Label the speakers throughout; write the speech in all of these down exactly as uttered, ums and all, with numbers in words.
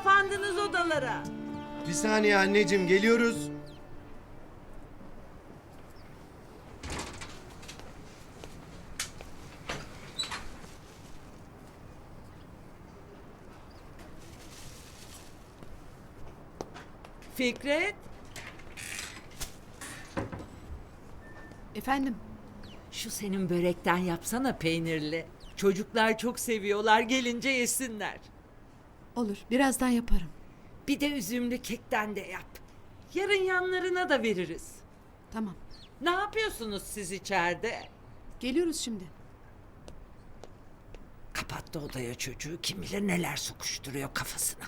Speaker 1: kapandınız odalara.
Speaker 2: Bir saniye anneciğim, geliyoruz.
Speaker 1: Fikret,
Speaker 3: Efendim?
Speaker 1: şu senin börekten yapsana peynirli. Çocuklar çok seviyorlar, gelince yesinler.
Speaker 3: Olur, birazdan yaparım.
Speaker 1: Bir de üzümlü kekten de yap. Yarın yanlarına da veririz.
Speaker 3: Tamam.
Speaker 1: Ne yapıyorsunuz siz içeride?
Speaker 3: Geliyoruz şimdi.
Speaker 1: Kapattı odaya çocuğu, kim bilir neler sokuşturuyor kafasına.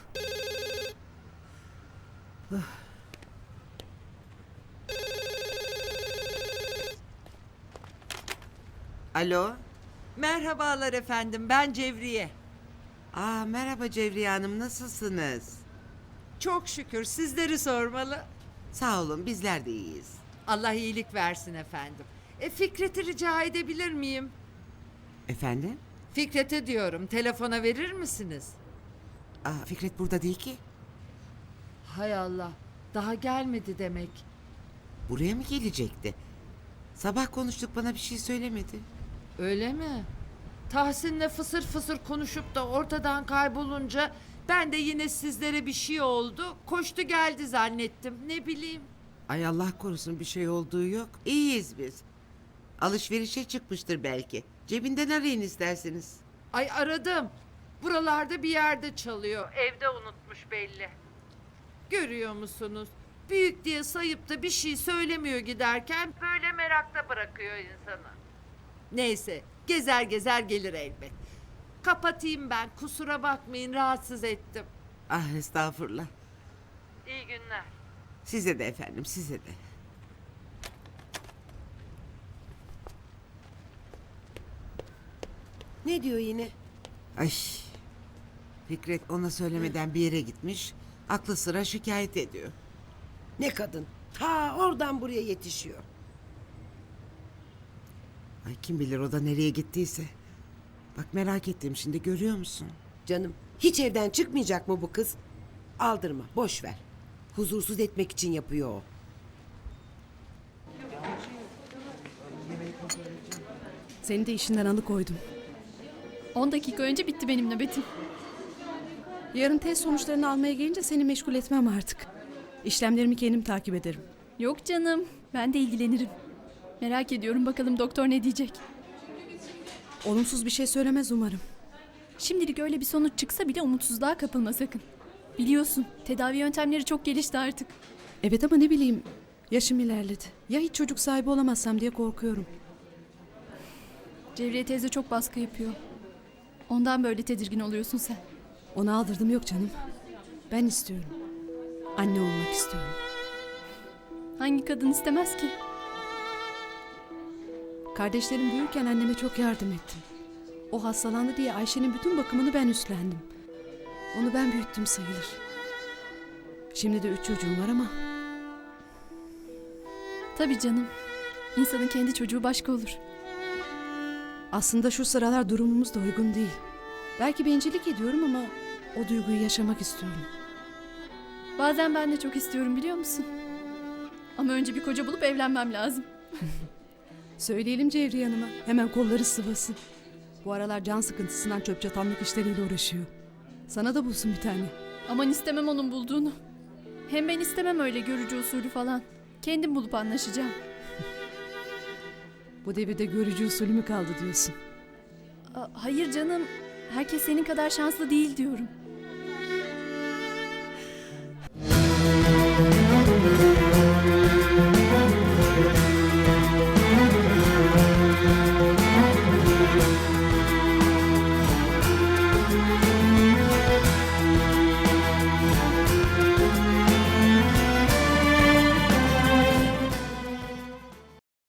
Speaker 4: Alo.
Speaker 1: Merhabalar efendim, ben Cevriye.
Speaker 4: Aa, merhaba Cevriye Hanım, nasılsınız?
Speaker 1: Çok şükür, sizleri sormalı.
Speaker 4: Sağ olun, bizler de iyiyiz.
Speaker 1: Allah iyilik versin efendim. E, Fikret'i rica edebilir miyim?
Speaker 4: Efendim?
Speaker 1: Fikret'e diyorum, telefona verir misiniz?
Speaker 4: Aa, Fikret burada değil ki.
Speaker 1: Hay Allah, daha gelmedi demek.
Speaker 4: Buraya mı gelecekti? Sabah konuştuk, bana bir şey söylemedi.
Speaker 1: Öyle mi? Tahsin'le fısır fısır konuşup da ortadan kaybolunca ben de yine sizlere bir şey oldu. Koştu geldi zannettim. Ne bileyim.
Speaker 4: Ay Allah korusun, bir şey olduğu yok. İyiyiz biz. Alışverişe çıkmıştır belki. Cebinden arayın isterseniz.
Speaker 1: Ay aradım. Buralarda bir yerde çalıyor. Evde unutmuş belli. Görüyor musunuz? Büyük diye sayıp da bir şey söylemiyor giderken böyle merakta bırakıyor insanı. Neyse, gezer gezer gelir elbet. Kapatayım ben, kusura bakmayın, rahatsız ettim.
Speaker 4: Ah estağfurullah.
Speaker 1: İyi günler.
Speaker 4: Size de efendim, size de.
Speaker 5: Ne diyor yine?
Speaker 4: Ay. Fikret ona söylemeden bir yere gitmiş. Aklı sıra şikayet ediyor.
Speaker 5: Ne kadın? Ta oradan buraya yetişiyor.
Speaker 4: Ay kim bilir o da nereye gittiyse. Bak merak ettim şimdi, görüyor musun?
Speaker 5: Canım, hiç evden çıkmayacak mı bu kız? Aldırma, boş ver. Huzursuz etmek için yapıyor o.
Speaker 3: Seni de işinden alıkoydum.
Speaker 6: On dakika önce bitti benim nöbetim.
Speaker 3: Yarın test sonuçlarını almaya gelince seni meşgul etmem artık. İşlemlerimi kendim takip ederim.
Speaker 6: Yok canım, ben de ilgilenirim. Merak ediyorum bakalım doktor ne diyecek.
Speaker 3: Olumsuz bir şey söylemez umarım.
Speaker 6: Şimdilik öyle bir sonuç çıksa bile umutsuzluğa kapılma sakın. Biliyorsun, tedavi yöntemleri çok gelişti artık.
Speaker 3: Evet ama ne bileyim, yaşım ilerledi. Ya hiç çocuk sahibi olamazsam diye korkuyorum.
Speaker 6: Cevriye teyze çok baskı yapıyor. Ondan böyle tedirgin oluyorsun sen.
Speaker 3: Ona aldırdım yok canım. Ben istiyorum. Anne olmak istiyorum.
Speaker 6: Hangi kadın istemez ki?
Speaker 3: Kardeşlerim büyürken anneme çok yardım ettim. O hastalandı diye Ayşe'nin bütün bakımını ben üstlendim. Onu ben büyüttüm sayılır. Şimdi de üç çocuğum var ama
Speaker 6: Tabii canım. İnsanın kendi çocuğu başka olur.
Speaker 3: aslında şu sıralar durumumuz da uygun değil. Belki bencillik ediyorum ama o duyguyu yaşamak istiyorum.
Speaker 6: Bazen ben de çok istiyorum biliyor musun? Ama önce bir koca bulup evlenmem lazım.
Speaker 3: Söyleyelim Cevriye Hanım'a, hemen kolları sıvasın. Bu aralar can sıkıntısından çöp çatanlık işleriyle uğraşıyor. Sana da bulsun bir tane.
Speaker 6: Aman istemem onun bulduğunu. Hem ben istemem öyle görücü usulü falan. Kendim bulup anlaşacağım.
Speaker 3: Bu devirde görücü usulü mü kaldı diyorsun?
Speaker 6: A- hayır canım. Herkes senin kadar şanslı değil diyorum.